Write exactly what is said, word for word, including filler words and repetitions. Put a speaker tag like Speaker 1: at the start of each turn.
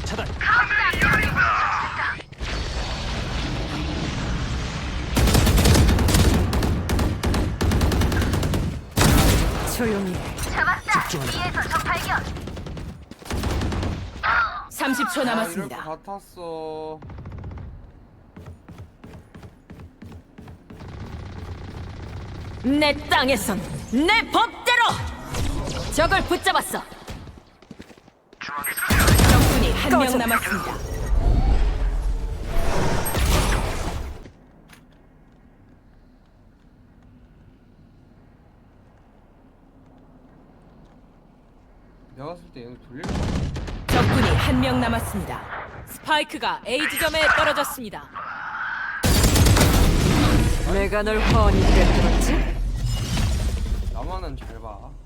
Speaker 1: 공격 차단.
Speaker 2: 조용히 해. 삼십 초
Speaker 3: 아, 이럴
Speaker 2: 남았습니다.
Speaker 3: 것 같았어.
Speaker 2: 내 땅에선 내 법대로 적을 붙잡았어. 적군이 한 명 남았습니다.
Speaker 3: 내가 봤을 때 얘는 돌릴 거야.
Speaker 2: 적군이 한 명 남았습니다. 스파이크가 A 지점에 떨어졌습니다. 내가 널 훤히 꿰뚫었지?
Speaker 3: 나만은 잘 봐.